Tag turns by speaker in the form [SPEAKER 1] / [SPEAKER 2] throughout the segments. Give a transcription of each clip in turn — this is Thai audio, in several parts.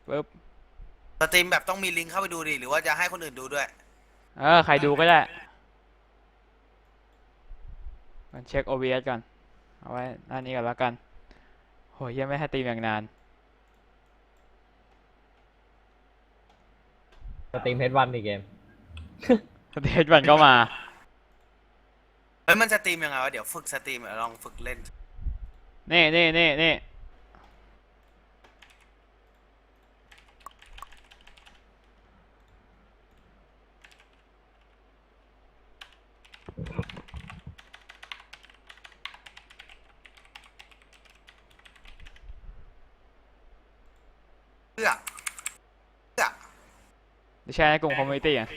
[SPEAKER 1] ปึ๊บ
[SPEAKER 2] สตรีมแบบต้องมีลิงก์เข้าไปดูดิหรือว่าจะให้คนอื่นดูด้วย
[SPEAKER 1] ใครดูก็ได้มันเช็ค OBS ก่อนเอาไว้หน้านี้ก่อนแล้วกันโหยังไม่ให้ตีมอย่างนาน
[SPEAKER 3] สตรีมเฮดวันอีกเกม
[SPEAKER 1] สเตจมันก็มา
[SPEAKER 2] เฮ้ยมันสตรีมยังไงวะเดี๋ยวฝึกสตรีมลองฝึกเล่น
[SPEAKER 1] นี่
[SPEAKER 2] เพื่อเพื่อ
[SPEAKER 1] จะแชร์ในกลุ่มคอมมูนิตี้อ่ะ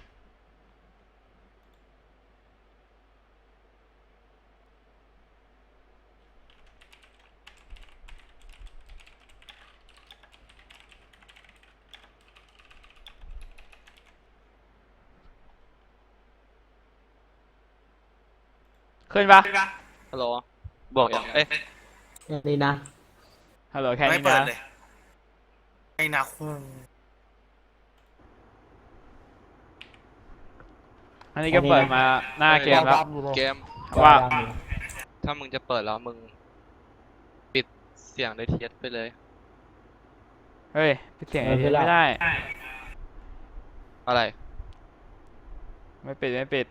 [SPEAKER 1] ขึ้นปะ
[SPEAKER 4] ฮัลโหลบอกอย่างเอ๊ะ
[SPEAKER 3] นี่นะ
[SPEAKER 1] ฮัลโหลแค่
[SPEAKER 2] ไม่
[SPEAKER 1] นี้นะ
[SPEAKER 2] เปิดเลยไอ้นาคู
[SPEAKER 1] อันนี้ก็เปิดมาหน้าเกมแล้ว
[SPEAKER 4] เกม
[SPEAKER 1] ว่า
[SPEAKER 4] ถ้ามึงจะเปิดแล้วมึงปิดเสียงในเทียสไปเลย
[SPEAKER 1] เฮ้ยปิดเสียงไอเทมไม่ได้
[SPEAKER 4] อะไร
[SPEAKER 1] ไม่ปิด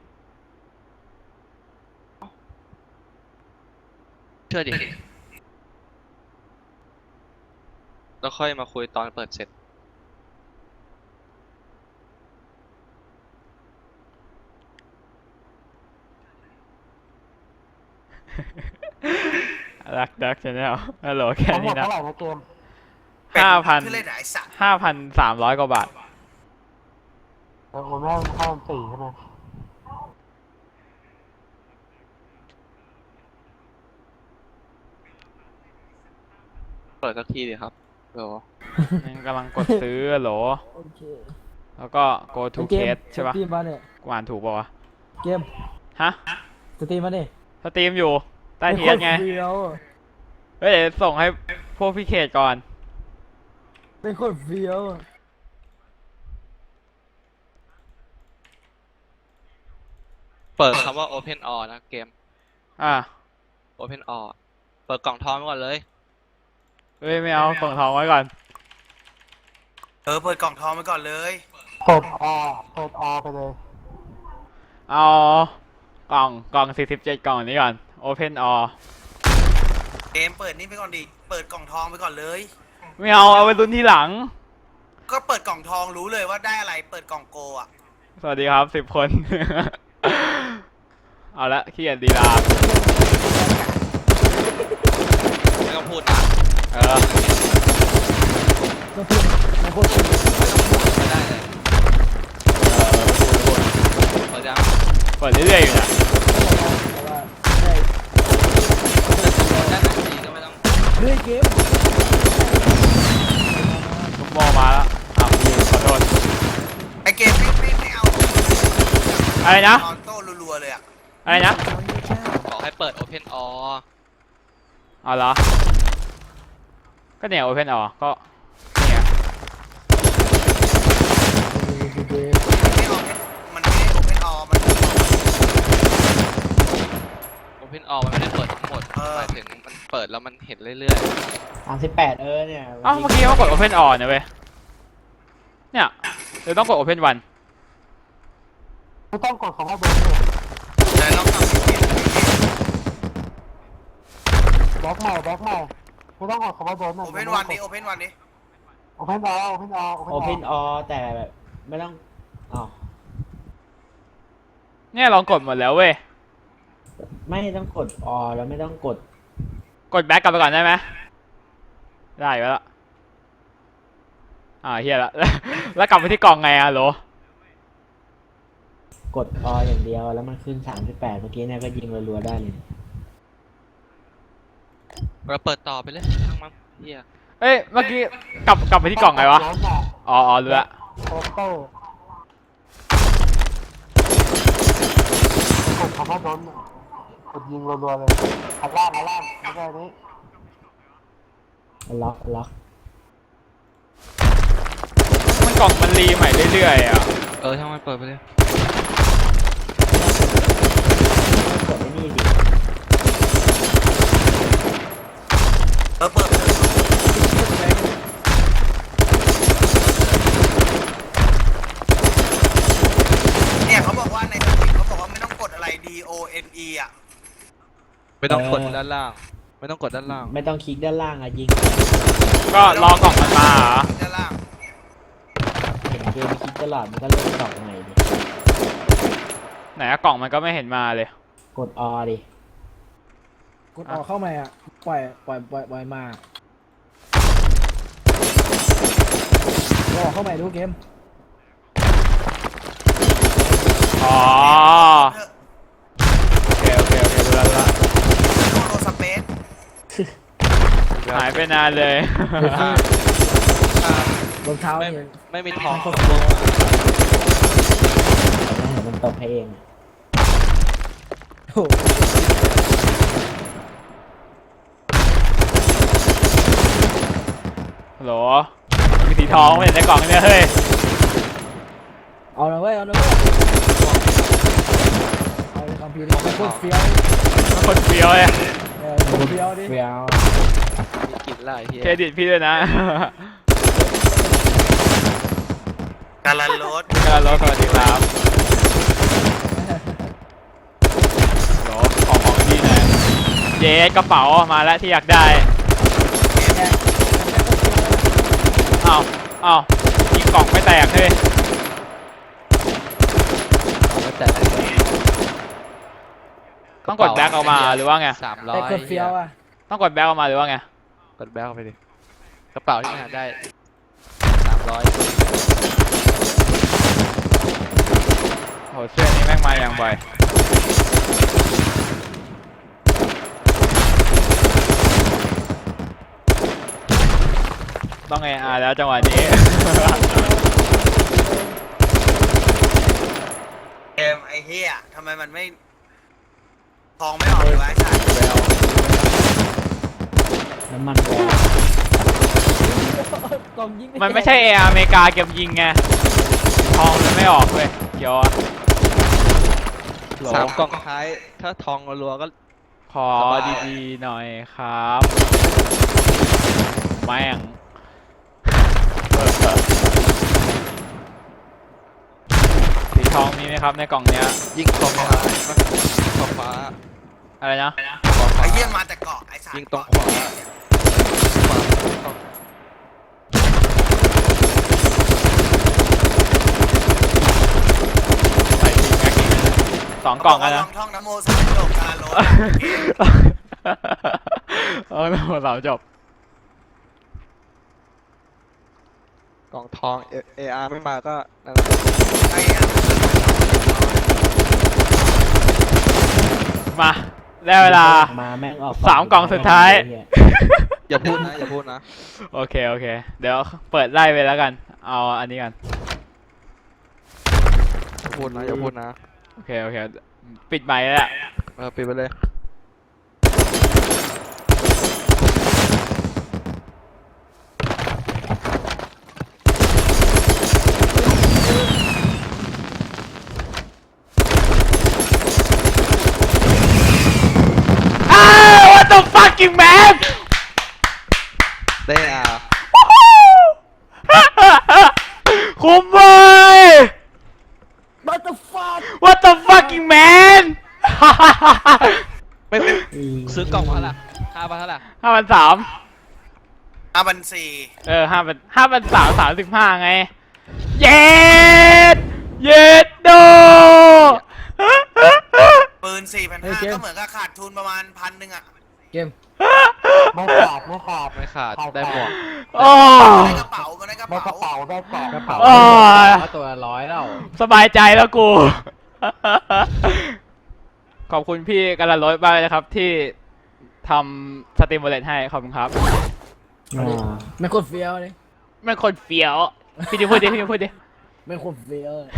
[SPEAKER 4] เชื่อดิแล้วค่อยมาคุยตอนเปิดเสร็จ
[SPEAKER 1] รักดักชาแนลฮัลโหลแค่นี้นะ
[SPEAKER 5] เท่าไหร่นะเกม
[SPEAKER 2] คือเล่นไอ้สัตว์
[SPEAKER 1] 5,300 กว่าบาท
[SPEAKER 5] โอนไม่ให้4ใช่ไหม
[SPEAKER 4] เปิดสักทีดิครับเดี๋ยว
[SPEAKER 1] ยังกำลังกดซื้อโหลแล้วก็ go to case ใช่ปะ
[SPEAKER 3] สตรีมมาเนี่ย
[SPEAKER 1] กูอ่านถูกป่าวะ
[SPEAKER 3] เกม
[SPEAKER 1] ฮะ
[SPEAKER 3] สตรีมมาเนี่ย
[SPEAKER 1] สตรีมอยู่ใต้เทียสไงเฮ้ยเดี๋ยวส่งให้พวกพี่เขตก่อน
[SPEAKER 3] เป็นคนเฟี้ยว
[SPEAKER 4] เปิดคำว่า Open All นะเกม
[SPEAKER 1] อ่ะ
[SPEAKER 4] Open All เปิดกล่องทองไว้ก่อนเลย
[SPEAKER 1] เฮ้ยไม่เอากล่องทองไว้ก่อน
[SPEAKER 2] เปิดกล่องทองไปก่อนเลย
[SPEAKER 5] เปิดไปเลย
[SPEAKER 1] เอากล่อง47กล่องนี้ก่อน Open All
[SPEAKER 2] เกมเปิดนี่ไปก่อนดิเปิดกล่องทองไปก่อนเลย
[SPEAKER 1] ไม่เอาไปลุ้นทีหลัง
[SPEAKER 2] ก็เปิดกล่องทองรู้เลยว่าได้อะไรเปิดกล่องโกอ่ะ
[SPEAKER 1] สวัสดีครับ10 คน เอาละขี้เกียจดีลา
[SPEAKER 4] ไม่ต้องพูดนะ
[SPEAKER 3] ก็พูดไม่พูด
[SPEAKER 4] ไม่ได้เลยเปิดยัง
[SPEAKER 1] เปิดเรื่อยๆอยู่นะ
[SPEAKER 4] ได้หนังสีก็ไม่ต้อง
[SPEAKER 3] เฮ้ยเกม
[SPEAKER 1] ลูกโม่มาแล้วขอโทษ
[SPEAKER 2] ไอเกมไม่เอา
[SPEAKER 1] อะไรนะ
[SPEAKER 2] ออโต้รัวๆเลยอ่ะ
[SPEAKER 1] อะไรนะ
[SPEAKER 4] บอกให้เปิด Open All
[SPEAKER 1] เอาเหรอก็เนี่ย Open All ก็เนี่ย
[SPEAKER 2] มันไม่โอเพนออมัน
[SPEAKER 4] Open All มันไม่ได้เปิดทั้งหมดหมายถึงมันเปิดแล้วมันเห็นเรื่อย
[SPEAKER 3] 38เนี่ย
[SPEAKER 1] เมื่อกี้เขากด Open All นะเว้ยเนี่ยเดี๋ยวต้องกด Open 1
[SPEAKER 5] ไม่ต้องกดคำว่าเบอร์เลย
[SPEAKER 2] แต่ลองทำ
[SPEAKER 5] แบ็คใหม่ไม่ต้องกดคำว่าเบอร์
[SPEAKER 2] โอเพนวันนี้โอเพนวันนี้
[SPEAKER 5] โอเพนอ
[SPEAKER 3] โอเพนออแต่แบบไม่ต้องอ๋อ
[SPEAKER 1] เนี่ยลองกดหมดแล้วเว้ย
[SPEAKER 3] ไม่ต้องกดอแล้วไม่ต้องกด
[SPEAKER 1] แบ็กกลับไปก่อนได้ไหมได้ไปแล้วเฮียละ แล้วกลับไปที่กล่องไงอะโหล
[SPEAKER 3] กดออย่างเดียวแล้วมันขึ้น38เมื่อกี้เนี่ยก็ยิงรัวๆได้เลย
[SPEAKER 4] เราเปิดต่อไปเลยทั้งมันเฮีย
[SPEAKER 1] เอ้ยเมื่อกี้กลับไปที่กล่องไงวะรู้ละ
[SPEAKER 5] โอโต้กดคำว่าโดนกดยิงรัวๆเลยข้างล่างไม่ได้นี้
[SPEAKER 3] ล็อก
[SPEAKER 1] กล่องมันรีใหม่เรื่อยๆอ่ะ
[SPEAKER 4] ช่างมันเปิดไปเลย
[SPEAKER 3] กดไอ้นี่สิ
[SPEAKER 2] เปิดเนี่ยเขาบอกว่าในสคริปต์เขาบอกว่าไม่ต้องกดอะไร DONE อ่ะ
[SPEAKER 4] ไม่ต้องกดด้านล่าง ไม่ต้องกดด้านล่าง
[SPEAKER 3] ไม่ต้องคลิกด้านล่างอะยิง
[SPEAKER 1] ก็รอกล่องมันมาเหรอ
[SPEAKER 2] ด้านล่าง
[SPEAKER 3] เห็นเกมคลิกตลอดมันก็เล่นดอกใหม่ดิ
[SPEAKER 1] ไหนอะกล่องมันก็ไม่เห็นมาเลย
[SPEAKER 3] กดออดิ
[SPEAKER 6] กดออกเข้ามาอ่ะปล่อยมาออกเข้ามาดูเกม
[SPEAKER 1] อ๋อ
[SPEAKER 2] เถอะ
[SPEAKER 1] โอเครู้แล้ว
[SPEAKER 2] โลสเปซ
[SPEAKER 1] หายไปนานเลย
[SPEAKER 6] รองเท้า
[SPEAKER 4] ไม่
[SPEAKER 6] เนี่ย
[SPEAKER 4] ไม่มีทอง
[SPEAKER 3] มันตกให้เองอะ
[SPEAKER 6] โอ้โห
[SPEAKER 1] ฮัลโหลมีสีทองไม่เห็นในกล่องเนี่ยเฮ้ย
[SPEAKER 6] เอาละเว้ยเอาเลยคอมพิวเตอร์เป็นคนเฟี้ยว
[SPEAKER 1] คนเฟี้ยวเลย
[SPEAKER 6] คนเฟี้ยวดิ
[SPEAKER 3] เฟี้ยว
[SPEAKER 4] มีกลิ่นไล่เฮีย
[SPEAKER 1] เครดิตพี่ด้วยนะ
[SPEAKER 2] การันรถ
[SPEAKER 1] กระโดดสวัสดีครับโหลของดีหน่อยเย้กระเป๋ามาแล้วที่อยากได้อ้าวยิงกล่องไม่แตกเฮ้ย
[SPEAKER 4] ไม่แต่
[SPEAKER 1] ต้องกดแบ็คออกมาหรือว่าไง
[SPEAKER 4] 300
[SPEAKER 6] แต่คนเฟี้ยวอ่ะ
[SPEAKER 1] ต้องกดแบ็คออกมาหรือว่าไง
[SPEAKER 4] กดแบ็คเข้าไปดิ กระเป๋าที่มันหาได้ 300
[SPEAKER 1] โหเสื้อนี้แม่งมาอย่างบ่อยต้องARแล้วจังหวะนี้
[SPEAKER 2] เกมไอ้เหี้ยทำไมมันไม่ทองไม่ออกเลยวะไอ้สัตว์
[SPEAKER 3] น้ำมันแรง
[SPEAKER 6] กล่องยิง
[SPEAKER 1] มันไม่ใช่ARอเมริกาเก็บยิงไงทองมันไม่ออกเลยเดี๋ยวอะ
[SPEAKER 4] 3 กล่องท้าย ถ้าทองรัวๆก็
[SPEAKER 1] ขอดีๆหน่อยครับแม่งสีทองมีไหมครับในกล่องเนี้ย
[SPEAKER 4] ยิงตรงฟ้าขอบฟ้า
[SPEAKER 1] อะไรนะ
[SPEAKER 4] ขอบฟ้า
[SPEAKER 2] ไอ้เหี้ยมาแต่เกาะไอ้สัตว์
[SPEAKER 4] ยิงตรงขวา
[SPEAKER 1] ใส่ทีแม็กอีก2 กล่องอะนะ
[SPEAKER 2] ลองท่องนะโมสามจบการรถ
[SPEAKER 1] แล้วหมดสามจบ
[SPEAKER 4] กล่องทอง AR ไม่มาก็นั่นแหละ
[SPEAKER 2] ไอ้อะ
[SPEAKER 1] มาได้เวลา
[SPEAKER 3] มาแม่งออก
[SPEAKER 1] 3 กล่องสุดท้าย
[SPEAKER 4] อย่าพูดนะ อย่าพูดนะ
[SPEAKER 1] โอเคเดี๋ยวเปิดไล่ไปแล้วกันเอาอันนี้กัน
[SPEAKER 4] อย่าพูดนะ อย่าพูดนะ
[SPEAKER 1] โอเคปิดไมค์แล้ว
[SPEAKER 4] ปิดไปเลย
[SPEAKER 1] What the fucking man
[SPEAKER 4] ได้อ่ะ
[SPEAKER 1] คุ้มเว้ย
[SPEAKER 6] บัตเตอร์ฟัด
[SPEAKER 1] What the fucking man
[SPEAKER 4] ไม่ซื้อกล่องมาเท่าไหร่5,000เท่าไหร่
[SPEAKER 1] 5,300
[SPEAKER 2] 5,400
[SPEAKER 1] 5,335ไง เย็ดโด
[SPEAKER 2] ปืน 4,500 ก็เหมือนกับขาดทุนประมาณ1,000อ่ะ
[SPEAKER 6] เกม
[SPEAKER 5] ไม่ขาด
[SPEAKER 4] ไม่ขาด ได้หมวก
[SPEAKER 1] โอ้
[SPEAKER 2] ได้กระเป๋ามาได้กระ
[SPEAKER 5] ไม่กระ
[SPEAKER 2] เป๋า
[SPEAKER 5] เป๋าได้กล่อง
[SPEAKER 6] กระเป๋า
[SPEAKER 1] โอ้ย
[SPEAKER 6] ตัว100แล้ว
[SPEAKER 1] สบายใจแล้วกู ขอบคุณพี่กันละร้อยมากเลยนะครับที่ทำสตรีมโมเลตให้ขอบคุณครับ
[SPEAKER 6] ไม่คนเฟี้ยวเลย
[SPEAKER 1] มันคนเฟี้ยวพี่ดิพูดดิ
[SPEAKER 6] ไม่คนเฟี้ยวเลย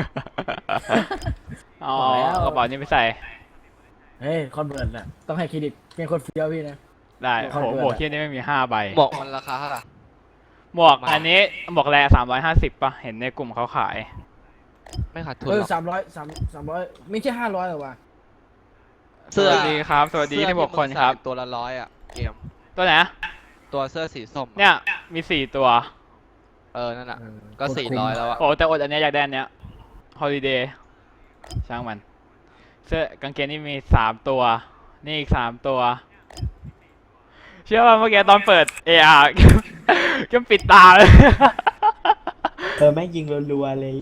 [SPEAKER 1] อ๋อ
[SPEAKER 6] บอกแล้ว
[SPEAKER 1] กระเป๋านี้ไปใส่
[SPEAKER 6] เฮ้ยคอนเวิร์ตน่ะต้องให้เครดิตเป็นคนเฟี้ยวพี่นะ
[SPEAKER 1] ได้
[SPEAKER 6] ขอบ
[SPEAKER 1] โห
[SPEAKER 6] คุณ
[SPEAKER 1] หมวกเที่ยนี่ไม่มี5 ใบ
[SPEAKER 4] หมวกมันราคาเท่าไหร่
[SPEAKER 1] หมวกอันนี้หมวกแร่350ป่ะ เห็นในกลุ่มเขาขาย
[SPEAKER 4] ไม่ขาดทุน
[SPEAKER 6] เอ
[SPEAKER 4] ห
[SPEAKER 6] อ
[SPEAKER 4] รอก
[SPEAKER 6] 300ไม่ใช่500หรอวะ
[SPEAKER 1] สวัสดีครับ สวัสดีที่6คนครับ
[SPEAKER 4] เสื้อที่มึงใส่ตัวละ100อ่ะเกม
[SPEAKER 1] ตัวไหนอะ
[SPEAKER 4] ตัวเสื้อสีส้มอะ
[SPEAKER 1] เนี่ย มี4 ตัว
[SPEAKER 4] นั่นน่ะก็400แล้วอ่ะ
[SPEAKER 1] โอ้แต่อดอันเนี้ยอยากได้อันเนี้ย Holiday ช่างมัน เสื้อกางเกงนี่มี3 ตัว นี่อีก3 ตัว เชื่อว่าเมื่อกี้ตอนเปิด AR ก็ปิดตาเลย
[SPEAKER 3] แม่งยิงรัวๆเลย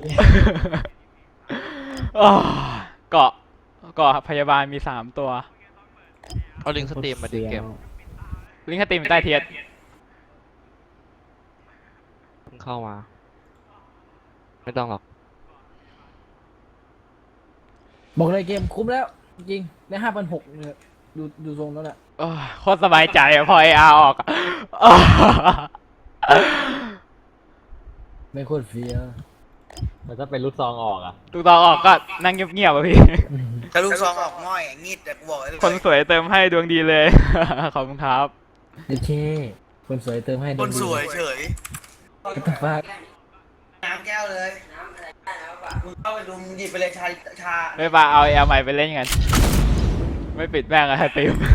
[SPEAKER 1] อ้าวเกาะพยาบาลมี3 ตัว
[SPEAKER 4] เอาลิงก์สตรีมมาดิเกม
[SPEAKER 1] ลิงก์สตรีมอยู่ใต้เทียด
[SPEAKER 4] เพิ่งเข้ามา ไม่ต้องหรอก
[SPEAKER 6] บอกเลยเกมคุ้มแล้ว จริงได้5,600เนี่ยดูทรงแล้วแหละ
[SPEAKER 1] โอ้ยโคตรสบายใจอะพอ AR ออกอะอ้าว
[SPEAKER 6] ไม่โคตรเฟี้ยว
[SPEAKER 3] แล้วถ้าเป็นลูกซองออกอ่ะ
[SPEAKER 1] ถูกต้องออกก็นั่งเงียบๆอะพี่
[SPEAKER 2] ถ้าลูกซองออกง่อยอะงีดแต่กูบอกไว้เลย
[SPEAKER 1] คนสวยเติมให้ดวงดีเลย ขอบคุณครับ
[SPEAKER 6] โอเคคนสวยเติมให้
[SPEAKER 2] คนสวยเฉย
[SPEAKER 6] ก็ต้องฟาด
[SPEAKER 2] น้ำแก้วเลยมึงเข้าไปดูมึงหยิบไปเลยชา
[SPEAKER 1] ไม่ปาเอาแอลใหม่ไปเล่นกัน ไม่ปิดแม่งอะติม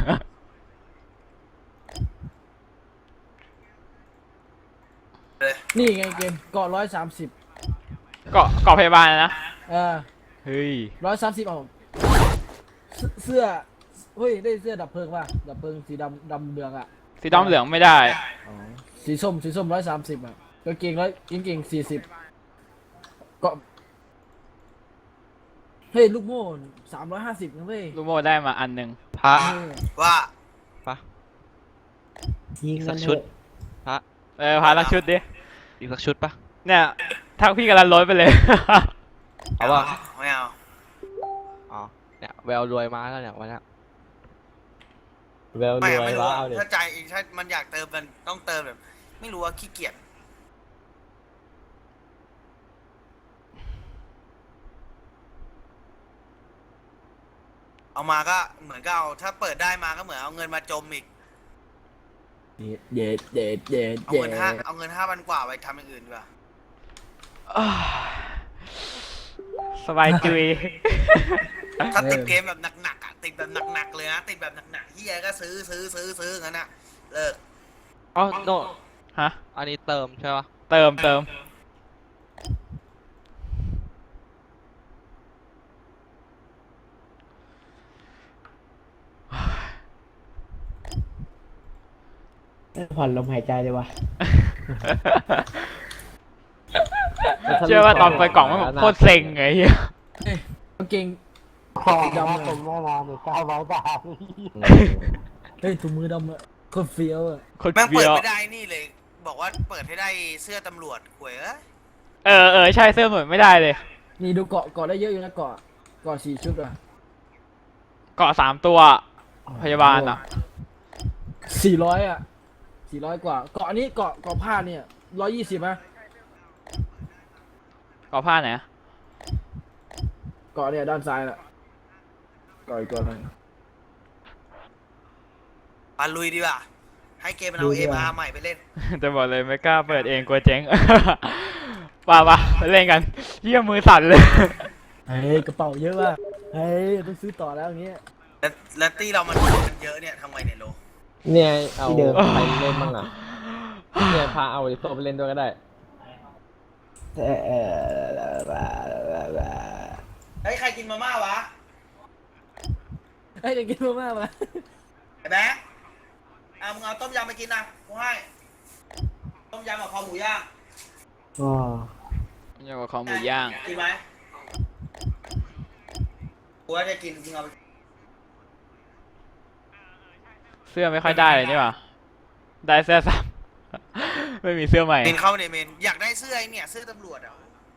[SPEAKER 2] เลย
[SPEAKER 6] นี่ไงเกมเกาะ130
[SPEAKER 1] เกาะพยาบาลนะ เฮ้ย
[SPEAKER 6] 130เอาเสื้อเฮ้ยได้เสื้อดับเพลิงป่ะดับเพลิงสีดำเหลืองอ่ะ
[SPEAKER 1] สีดำเหลืองไม่ได้
[SPEAKER 6] สีส้ม130อ่ะกางเกง40ก็เฮ้ยลูกโม่350นะเว้ย
[SPEAKER 1] ลูโมได้มาอันหนึ่ง
[SPEAKER 4] พระ
[SPEAKER 2] ว่า
[SPEAKER 3] ยิง
[SPEAKER 4] สั
[SPEAKER 3] กัน
[SPEAKER 4] ก
[SPEAKER 3] เถ
[SPEAKER 4] ชุด
[SPEAKER 3] อะ
[SPEAKER 4] พระ
[SPEAKER 1] พาลักชุดดิ
[SPEAKER 4] อีกสักชุดปะ
[SPEAKER 1] เนี่ยทักพี่กำลังล้นไปเลย
[SPEAKER 4] เอาป่ะ
[SPEAKER 2] ไม่เอา
[SPEAKER 4] อ๋อ เนี่ยแววรวยมาแล้วเนี่ยวันเนี้ย
[SPEAKER 3] แววร
[SPEAKER 2] ไม่
[SPEAKER 3] วย
[SPEAKER 2] ไม่รู้
[SPEAKER 3] วะ
[SPEAKER 2] อะ
[SPEAKER 3] เอาเด็
[SPEAKER 2] ถ้าใจเองถ้ามันอยากเติมมันต้องเติมแบบ ไม่รู้ว่าขี้เกียจเอามาก็เหมือนก็เอาถ้าเปิดได้มาก็เหมือนเอาเงินมาจมอีก
[SPEAKER 6] เด็ด
[SPEAKER 2] เอาเงิน5,000 กว่าไปทำอย่างอื่นดีกว่า
[SPEAKER 1] สบายจุย
[SPEAKER 2] ถ้าติดเกมแบบหนักๆอ่ะติดแบบหนักๆเลยนะติดแบบหนักๆเฮียก็ซื้องั้นอ่ะเลิก
[SPEAKER 4] อ๋อโน
[SPEAKER 1] ฮะ
[SPEAKER 4] อันนี้เติมใช่ปะ
[SPEAKER 1] เติม
[SPEAKER 3] ผ่อนลมหายใจเลยวะ
[SPEAKER 1] เชื่อว่าตอนเปิดกล่องมันแบบโคตรเซ็งไงเฮีย
[SPEAKER 6] กางเกง
[SPEAKER 5] ของดำเป็นแน่นอนเลย900 บาท
[SPEAKER 6] เฮ้ยถุงมือดำอะโคตรเฟี้ยวอะ
[SPEAKER 1] โคตร
[SPEAKER 2] แม่ง
[SPEAKER 1] เบี
[SPEAKER 2] เปิด
[SPEAKER 1] ยว
[SPEAKER 2] ไม่ได้นี่เลย บอกว่าเปิดให้ได้เสื้อตำรวจหวยเอ้ย
[SPEAKER 1] เออใช่เสื้อเหมือนไม่ได้เลย
[SPEAKER 6] นี่ดูเกาะได้เยอะอยู่นะเกาะ4 ชุดอะ
[SPEAKER 1] เกาะ3 ตัว พยาบาลอ่ะ
[SPEAKER 6] 400อะ400 กว่าเกาะนี้เกาะผ้าเนี่ย120นะ
[SPEAKER 1] เกาะผ้าไหน
[SPEAKER 6] เกาะเนี่ยด้านซ้ายน่ะเกาะอีกตัวหนึง
[SPEAKER 2] มาลุยดีกว่าให้เกมมันเอา
[SPEAKER 6] ลุยดีกว่า
[SPEAKER 2] MR ใหม่ไปเล่น
[SPEAKER 1] จะบอกเลยไม่กล้าเปิดเองกลัวเจ๊ง ป่ะไปเล่นกันเยี่ยมือสั่นเลย
[SPEAKER 6] เฮ้ยกระเป๋าเยอะว่ะเฮ้ยต้องซื้อต่อแล้วอย่างเงี้ย
[SPEAKER 2] แล้วตี้เรามันเยอะเนี่ยทำไงเนี่ยโล
[SPEAKER 3] เนี่ยเอาใครเล่นบ้างอ่ะเนี่ยพาเอาไอ้โซไปเล่นด้วยก็ได้
[SPEAKER 2] เฮ้ยใครกินมาม่าวะ
[SPEAKER 6] เฮ้ยเดี๋ยวกินมาม่ามา
[SPEAKER 2] ไอ้แบ๊กมึงเอาต้มยำไปกินนะกูให้ต้มยำกับคอหมูย่าง
[SPEAKER 3] อ๋อ
[SPEAKER 1] เยี่ยกว่าคอหมูย่าง
[SPEAKER 2] กินไหมกูว่าจะกินจริงเอาไป
[SPEAKER 1] เสื้อไม่ค่อยได้เลยนี่หว่าได้เสื้อซ้ำ ไม่มีเสื้อใหม่
[SPEAKER 2] เมนเข้าในเมนอยากได้เสื้อไอ้เนี่ยเสื้อตำรวจอ่ะ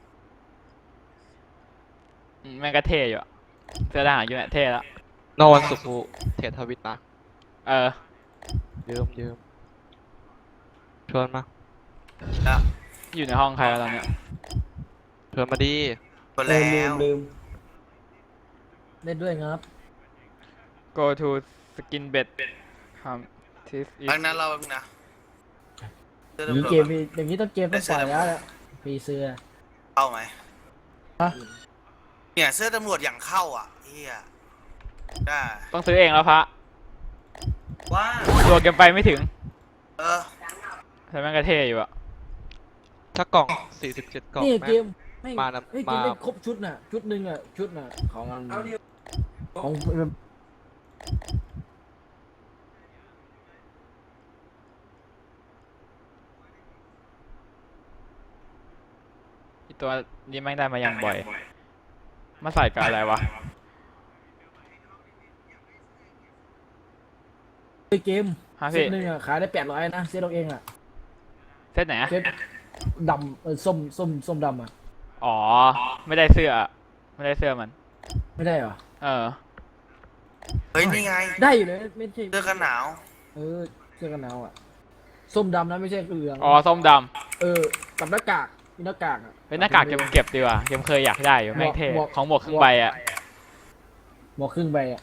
[SPEAKER 1] แม่งก็เท่อยู่อะเสื้อทหารอยู่เนี่ยเท่แล้ว
[SPEAKER 4] โนวันศุกร์กูเทรดทวิตนะ
[SPEAKER 1] เออ
[SPEAKER 4] ยืมชวนมา
[SPEAKER 2] แล้ว
[SPEAKER 1] อยู่ในห้องใครวะตอนเนี้ย
[SPEAKER 4] ชวนมาดี
[SPEAKER 2] หมดแล้ว
[SPEAKER 3] ลืม
[SPEAKER 6] เล่นด้วยครับ
[SPEAKER 1] go to skin bed this is
[SPEAKER 2] ดังนั้นเรานะเสื้อ
[SPEAKER 6] อย่างนี้
[SPEAKER 2] ตำรวจ
[SPEAKER 6] เกมอย่างนี้ต้องเกมต้องปล่อยแล้วแหละฟรีเสื้อ
[SPEAKER 2] เข้าไหม
[SPEAKER 6] ฮะ
[SPEAKER 2] เนี่ยเสื้อตำรวจอย่างเข้าอ่ะเฮียได้
[SPEAKER 1] ต้องซื้อเองแล้วพระ
[SPEAKER 2] ว่า
[SPEAKER 1] ตัวเกมไปไม่ถึง
[SPEAKER 2] เออ
[SPEAKER 1] แต่แม่งกระเทอยู่อะ
[SPEAKER 4] ถ้ากล่อง47กล่อง
[SPEAKER 6] นี่
[SPEAKER 4] แม่
[SPEAKER 6] เก
[SPEAKER 4] ง
[SPEAKER 6] มไม่
[SPEAKER 4] มานะ
[SPEAKER 6] เฮ้ยเกม
[SPEAKER 4] มา
[SPEAKER 6] ได้ครบชุดน่ะชุดหนึ่งอ่ะชุดน่ะของของ
[SPEAKER 1] อีตัวนี้แม่งได้มาอย่างบ่อย มาใส่กับอะไรวะ
[SPEAKER 6] เกม
[SPEAKER 1] ฮะ
[SPEAKER 6] เซ
[SPEAKER 1] พี่
[SPEAKER 6] ตหนึ่งอ่ะขายได้800นะเซตเราเองอ่ะ
[SPEAKER 1] เซตไหนอะ
[SPEAKER 6] เซตดำส้มดำอ่ะ
[SPEAKER 1] อ๋อ ไม่ได้เสื้อ ไม่ได้เสื้อมัน
[SPEAKER 6] ไม่ได้เหรอ
[SPEAKER 1] เออ
[SPEAKER 2] เฮ้ยนี่ไง
[SPEAKER 6] ได้อยู่เลยไม่ใช่
[SPEAKER 2] เสื้อกันหนาว
[SPEAKER 6] เออเสื้อกันหนาวอ่ะส้มดำนะไม่ใช่เหลือง
[SPEAKER 1] อ๋อ ส้มด
[SPEAKER 6] เออกับหน้ากากมีหน้ากากอ่ะ
[SPEAKER 1] ำเป็นหน้ากากเกมเก็บดีกว่าเกมเคยอยากได้อยู่แม่งเท่
[SPEAKER 6] หมวก
[SPEAKER 1] ของหมวกครึ่งใบอะ
[SPEAKER 6] หมวกครึ่งใบอ่ะ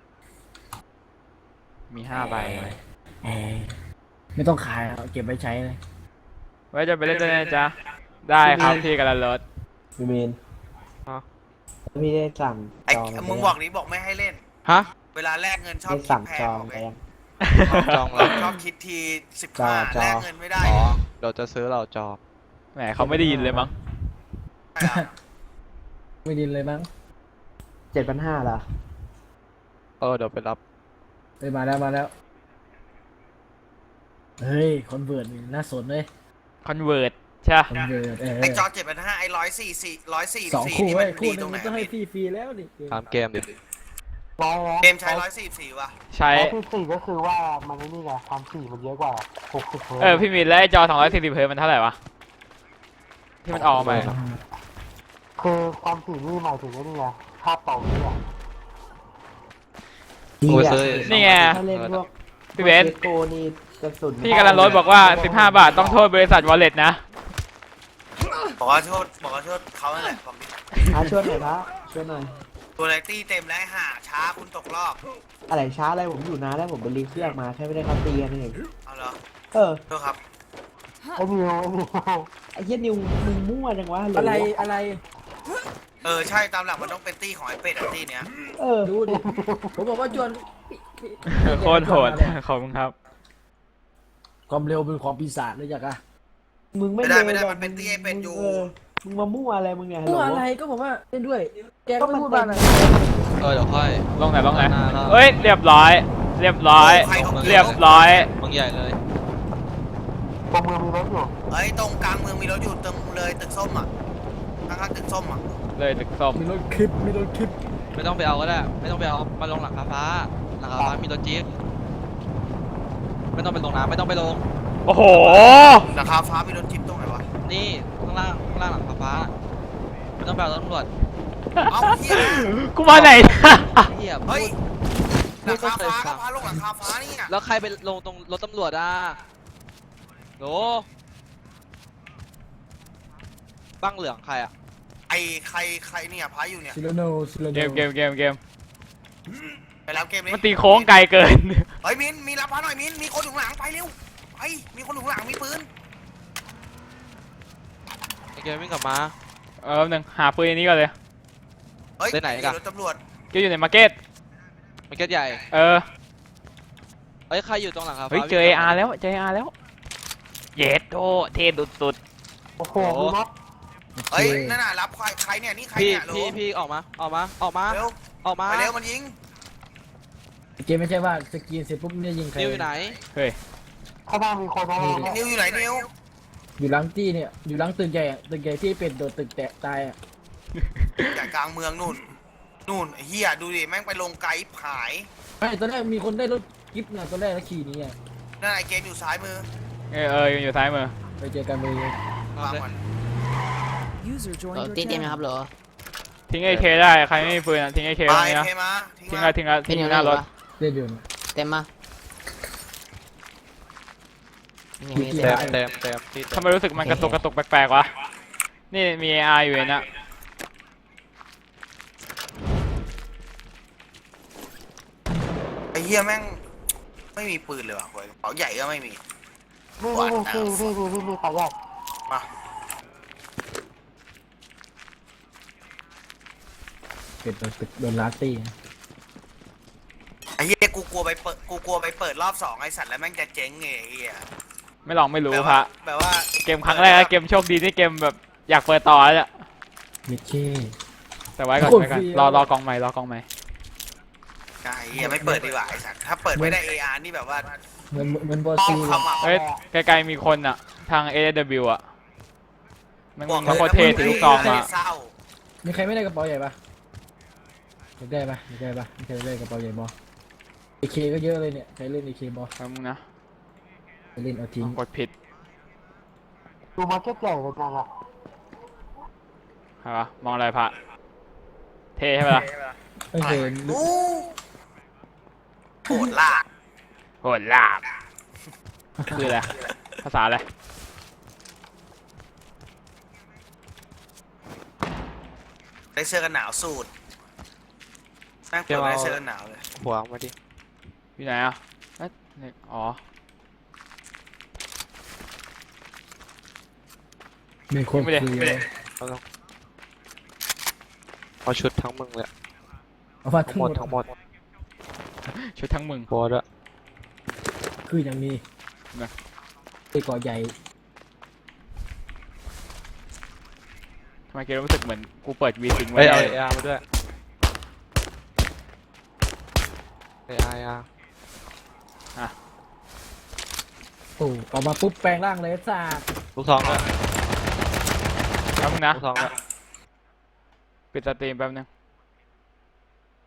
[SPEAKER 1] มี5 ใบ
[SPEAKER 6] เออไม่ต้องขายเอาเก็บไว้ใช้เลย
[SPEAKER 1] ไว้จะไปเล่นด้วยนะจ๊ะ ได้ครับพี่กันละรถ
[SPEAKER 3] พี่เมน
[SPEAKER 4] อ๋อ
[SPEAKER 3] พี่ได้สั่ง
[SPEAKER 2] ไอ้
[SPEAKER 3] จองไป
[SPEAKER 2] มึงบอกนี้บอกไม่ให้เล่น
[SPEAKER 4] ฮะ
[SPEAKER 2] เวลาแลกเงินชอบ
[SPEAKER 3] ได้
[SPEAKER 2] คิ
[SPEAKER 3] สั่
[SPEAKER 2] ด
[SPEAKER 3] ง
[SPEAKER 2] แพ
[SPEAKER 3] จ
[SPEAKER 2] ง
[SPEAKER 3] อง
[SPEAKER 2] บอก
[SPEAKER 3] ไป
[SPEAKER 2] เลย
[SPEAKER 3] ยัง
[SPEAKER 4] จองแล้ว
[SPEAKER 2] ชอบคิดที
[SPEAKER 3] จอ
[SPEAKER 2] 15
[SPEAKER 3] จอ
[SPEAKER 2] แลกเงินไม่ได้
[SPEAKER 4] อ๋อเดี๋ยวจะซื้อเราจอ
[SPEAKER 1] แหมเขาไม่ได้ยินเลยมั้ง
[SPEAKER 2] ใช่เหรอ
[SPEAKER 6] ไม่ดินเลยมั้ง
[SPEAKER 3] 7,500ล่ะ
[SPEAKER 4] เดี๋ยวไปรับ
[SPEAKER 6] เฮ้ยมาแล้วเฮ้ยคอนเวิร์ตนี่น่าสนเลย
[SPEAKER 1] คอนเวิร์ตใช่ปะ
[SPEAKER 6] คอนเวิร์ต
[SPEAKER 2] ไอ้จอ7,500ไอ้144
[SPEAKER 6] สองคู่
[SPEAKER 2] นี่
[SPEAKER 6] เว้
[SPEAKER 2] มั
[SPEAKER 6] ย
[SPEAKER 2] น
[SPEAKER 6] คู่
[SPEAKER 2] ดี
[SPEAKER 6] หนึ
[SPEAKER 2] ตรง งไหน
[SPEAKER 6] มันต้องให้ฟรีๆแล้วดิ
[SPEAKER 4] ตามเกมดิ
[SPEAKER 2] เกมใช้144ว่ะ
[SPEAKER 1] ใช้
[SPEAKER 5] 144ก็คือว่ามันไอ้นี่ไงความถี่มันเยอะกว่า60เฮิร์ตซ์
[SPEAKER 1] เออ พี่มินแล้วไอ้จอ240 เฮิร์ตซ์มันเท่าไหร่วะ ที่มันออกมา
[SPEAKER 5] คือความถี่นี่หมายถึงไอ้นี่ไงภาพต่อวิอ่ะ
[SPEAKER 4] โอ้ยซื้อ
[SPEAKER 1] นี่ไง
[SPEAKER 3] ถ้าเล่นพวก
[SPEAKER 1] พี่เบนซ์
[SPEAKER 3] โกนี่กระสุน
[SPEAKER 1] พี่กันละรถบอกว่า 15 บาทต้องโทษบริษัทวอลเล็ตนะ
[SPEAKER 2] บอกว่าโทษเขานั่นแหละผม
[SPEAKER 3] ช่วยหน่อยพระช่วยหน่อย
[SPEAKER 2] ตัวไลตี้เต็มแล้วหาช้าคุณตกรอบ
[SPEAKER 3] อะไรช้าอะไรผมอยู่นานแล้วผมไปรีเครื่องมาแค่ไม่ได้ครับตีกันเอง
[SPEAKER 2] เอาเหรอ
[SPEAKER 3] เออ
[SPEAKER 2] โทษครับ
[SPEAKER 5] ไอ้นิว
[SPEAKER 3] ไอ้เหี้ยนิวมึงมั่วจังวะห
[SPEAKER 6] อะไร
[SPEAKER 2] เออใช่ตามหลักมันต้องเป็นตี้ของไอ้เป็ดอะตี้เนี้ย
[SPEAKER 3] เออ
[SPEAKER 6] ดูดิผมบอกว่าจวน
[SPEAKER 1] โคตรโหด ขอบคุณครับ
[SPEAKER 6] ความเร็วเป็นของปีศาจเลยจักอะ
[SPEAKER 3] มึงไม่
[SPEAKER 2] ไม่ได้
[SPEAKER 3] ร็วหรอก
[SPEAKER 2] มันเป็นตี้ไอ้เป็ดอยู่
[SPEAKER 3] มึงมามั่วอะไรมึงเนี่ย
[SPEAKER 6] พูดอะไรก็บอกว่าเล่นด้วย แกก็ไม่พูดบ้างนะ
[SPEAKER 4] เดี๋ยวค่อย
[SPEAKER 1] ลงไหนลงไหน
[SPEAKER 4] หน้าแล้ว
[SPEAKER 1] เอ้ย เรียบร้อย เรียบร้อย เรียบร้อย
[SPEAKER 4] มึงใหญ่เลย
[SPEAKER 5] ตรงมือมีรถอยู่
[SPEAKER 2] เอ้ยตรงกลางเมืองมีรถอยู่ตรงเลยตึกส้มอ่ะข้างๆตึกส้มอ่ะ
[SPEAKER 1] เลยตึกส้ม
[SPEAKER 6] มีรถคลิป
[SPEAKER 4] ไม่ต้องไปเอาก็ได้ ไม่ต้องไปเอา มาลงหลังคาฟ้า หลังคาฟ้ามีรถจี๊ปไม่ต้องไปลงน้ำไม่ต้องไปลง
[SPEAKER 1] โอ้โห
[SPEAKER 2] หลังคาฟ้ามีรถจิ๊บตรงไหนวะ
[SPEAKER 4] นี่ข้างล่างหลังคาฟ้า ไม่ต้องไปเอาตำรวจ
[SPEAKER 2] เอ้าเฮีย
[SPEAKER 1] กูมาไหน
[SPEAKER 4] เฮีย
[SPEAKER 2] เฮ้ยห
[SPEAKER 4] พู
[SPEAKER 2] ลั
[SPEAKER 4] ด
[SPEAKER 2] งคาฟ้า
[SPEAKER 4] พู
[SPEAKER 2] ก็
[SPEAKER 4] ด
[SPEAKER 2] พาลงหลังคาฟ้านี่อ่ะ
[SPEAKER 4] แล้วใครไปลงตรงรถตำรวจโหบ้างเหลืองใครอ่ะ
[SPEAKER 2] ไอ้ใครเนี่ยพาอยู่เนี่ย
[SPEAKER 6] ซิโลโน
[SPEAKER 1] เกม
[SPEAKER 2] ไปแล้วเกมนี้
[SPEAKER 1] มันตีโค้งไกลเกิน
[SPEAKER 2] เฮ้ยมินมีรับพาหน่อยมินมีคนอยู่ข้างหลังไปเร็วไปมีคนอยู่ข้างหลังมีปืน
[SPEAKER 4] ไอเกมวิ่งกลับมา
[SPEAKER 1] แป๊บนึงหาปืนอันนี้ก่อนเลย
[SPEAKER 2] เฮ้ย
[SPEAKER 4] ไปไหนกัน
[SPEAKER 2] รถตำรวจ
[SPEAKER 1] ก็อยู่ในมาร์เก็ต
[SPEAKER 4] มันเก็ตใหญ่
[SPEAKER 1] เออ
[SPEAKER 4] เฮ้ยใครอยู่ตรงหลังคาฟ้า
[SPEAKER 1] เฮ้ย เจอ AR แล้ว เจอ AR แล้ว เย็ดโตเท่สุด
[SPEAKER 5] โอ้โหมีรถ
[SPEAKER 2] เฮ้ยนั่นน่ะรับใครเนี่ยนี่ใคร
[SPEAKER 4] พี่
[SPEAKER 2] เนี่ยโหล
[SPEAKER 4] พี่ออกมา
[SPEAKER 2] เร็ว
[SPEAKER 4] ออกมา
[SPEAKER 2] ไปเร็วมันยิง
[SPEAKER 6] เกมไม่ใช่ว่าสกรีนเสร็จปุ๊บเนี่ยยิงใคร
[SPEAKER 4] นิวอยู่ไหน
[SPEAKER 1] ๆ เฮ้ย
[SPEAKER 5] ข้างหน้ามีคนนะ
[SPEAKER 2] นิวอยู่ไหนนิว
[SPEAKER 6] อยู่หลังตี้เนี่ยอยู่หลังตึกใหญ่อะตึกใหญ่ที่เป็นโดดตึกแตะตายอะ
[SPEAKER 2] จากกลางเมืองนู่นไอ้เฮียดูดิแม่งไปลงไกด์ผาย
[SPEAKER 6] ไม่ตอนแรกมีคนได้รถกิฟต์นะตอนแรกแล้วขี่หนี้อ่ะ
[SPEAKER 2] นั่นไอ้เกมอยู่ซ้ายมือ
[SPEAKER 1] อยู่ซ้ายมือ
[SPEAKER 6] ไปเจอกันเลย
[SPEAKER 2] วางมัน
[SPEAKER 7] User
[SPEAKER 8] เอ
[SPEAKER 7] joined
[SPEAKER 8] อ
[SPEAKER 7] your
[SPEAKER 8] ตีเต็มไหม
[SPEAKER 7] channel.
[SPEAKER 8] ครับเหรอ
[SPEAKER 1] ทิ้ง AK ได้ ใครไม่มีปืนอะทิ้ง AK
[SPEAKER 2] ไป
[SPEAKER 1] ไว้นะ
[SPEAKER 2] เคมาทิ้ง
[SPEAKER 1] ทิ้ง
[SPEAKER 2] มา
[SPEAKER 1] ละทิ้งละทิ้งอยู่หน้ารถ
[SPEAKER 6] เล่นเดือน
[SPEAKER 8] เต็มมา
[SPEAKER 6] อยู่ที่
[SPEAKER 4] เต็ม
[SPEAKER 6] ไหน
[SPEAKER 4] เต็มที่
[SPEAKER 1] ทำไมรู้สึกมันกระตุกแปลกๆวะ นี่มี AR อยู่นะ
[SPEAKER 2] ไอ้เฮียแม่งไม่มีปืนเลยว่ะเว้ยกระเป๋าใหญ่ก็ไม่มี
[SPEAKER 5] นี่ขอแยก
[SPEAKER 2] มา
[SPEAKER 3] เป็ดโดนลาตี้
[SPEAKER 2] ไอ้เหี้ยกูกลัวไปเปิดรอบ2ไอ้สัตว์แล้วแม่งจะเจ๊งไงไอ้เหี้ย
[SPEAKER 1] ไม่ลองไม่รู้
[SPEAKER 2] แบบ
[SPEAKER 1] พ
[SPEAKER 2] ว่า
[SPEAKER 1] ระ
[SPEAKER 2] แบบว่า
[SPEAKER 1] เกมครั้งแรกเกมโชคดีที่เกมแบบอยากเปิดต่อแล้วอะ
[SPEAKER 3] มิเช่
[SPEAKER 1] แต่ไว้ก่อนไว้ก่อนรอกองใหม่รอกองใหม่
[SPEAKER 2] ไอ้เหี้ยไม่เปิดดีกว่าไอ้สัตว์ถ้าเปิดไม่ได้ AR นี่แบบว่า
[SPEAKER 3] เหมือนบอ
[SPEAKER 2] ต้อ
[SPEAKER 3] ซี
[SPEAKER 2] ง
[SPEAKER 3] เลย
[SPEAKER 2] เข้ามา
[SPEAKER 1] เอ้ยไกลๆมีคนอะทาง AW อะมัน
[SPEAKER 2] บอก
[SPEAKER 1] มันโคตรเท่ถือลูกซองมา
[SPEAKER 2] เศร้า
[SPEAKER 6] มีใครไม่ได้กระเป๋าใหญ่ปะอยากได้ปะอยากได้ปะมีใครได้กระเป๋าใหญ่บอเอเคก็เยอะเลยเนี่ยใครเล่นเอเคบอ
[SPEAKER 1] แป๊บนึงนะ
[SPEAKER 6] ใครเล่นเอาทิ้ง
[SPEAKER 1] กดผิด
[SPEAKER 5] ดูมาร์เก็ตใหญ่เลยจังอะ
[SPEAKER 1] ใช่ปะมองอะไรพระเท่ใช่ปะล่ะ
[SPEAKER 6] ไม่เคย
[SPEAKER 2] อู้โหดล่า
[SPEAKER 1] โหดลาบคืออะไรภาษาอะไร
[SPEAKER 2] ได้เสื้อกันหนาวสูตรแม่งเปิดได้เสื้อกันหนาวเลย
[SPEAKER 4] หัวมาดิ
[SPEAKER 1] อยู่ไหนอะเอ๊ะนี่อ๋อ
[SPEAKER 3] มีคน
[SPEAKER 1] ไม่ได้
[SPEAKER 3] คุยเลย
[SPEAKER 4] เอาชุดทั้งมึงเลย
[SPEAKER 3] เอาว่า
[SPEAKER 4] ทั้
[SPEAKER 3] ทั้
[SPEAKER 4] ง
[SPEAKER 3] ง
[SPEAKER 4] ห
[SPEAKER 3] ห
[SPEAKER 4] ม
[SPEAKER 3] ม
[SPEAKER 4] ด
[SPEAKER 3] ด
[SPEAKER 4] ทั้งหมด
[SPEAKER 1] ชุดทั้งมึง
[SPEAKER 4] โบด้วย
[SPEAKER 3] คืออย่างนี้
[SPEAKER 1] นะ
[SPEAKER 3] ไอ้เกาะใหญ่
[SPEAKER 1] ทำไมเกมรู้สึกเหมือนกูเปิดวีซิงไว้
[SPEAKER 4] เฮ้ยเอา
[SPEAKER 1] แน่
[SPEAKER 4] เออาร์มาด้วยเออาร์
[SPEAKER 6] โอ้ออกมาปุ๊บแปลงร่างเลยจ้า
[SPEAKER 4] ลูกซองด้วย
[SPEAKER 1] แป๊บนึงนะ
[SPEAKER 4] ลูกซองด้วย
[SPEAKER 1] ปิดสตรีมแป๊บนึง